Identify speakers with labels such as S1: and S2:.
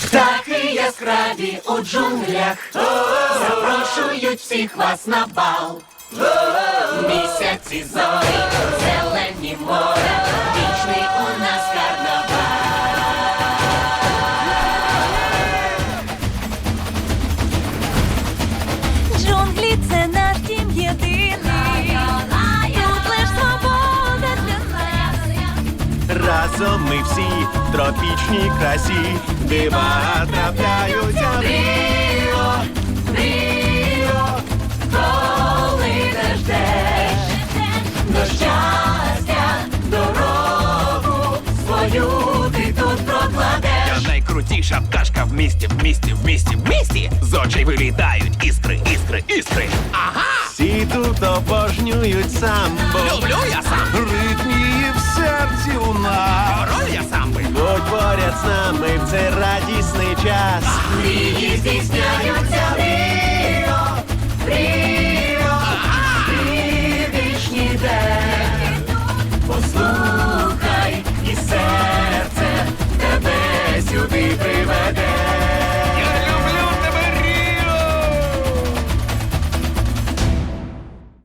S1: Птахи яскраві у джунглях запрошують всіх вас на бал. Місяці зорі, зелені моря, вічний у нас карнавал.
S2: Джунглі – це наш дім єдиний. Тут лиш свобода для нас.
S3: Разом ми всі в тропічній красі, дива трапляються.
S1: Ріо, Ріо, коли не ждеш до щастя, дорогу свою ти тут прокладеш.
S4: Я найкрутіша пташка в місті, в місті, в місті, в місті. З очей вилітають іскри, іскри, іскри. Ага!
S3: Всі тут обожнюють самбо.
S4: Люблю я сам.
S3: Ритмії в серці у нас.
S4: Король я самби.
S3: Будь поряд з нами в цей радісний час.
S1: Мрії здійсняються.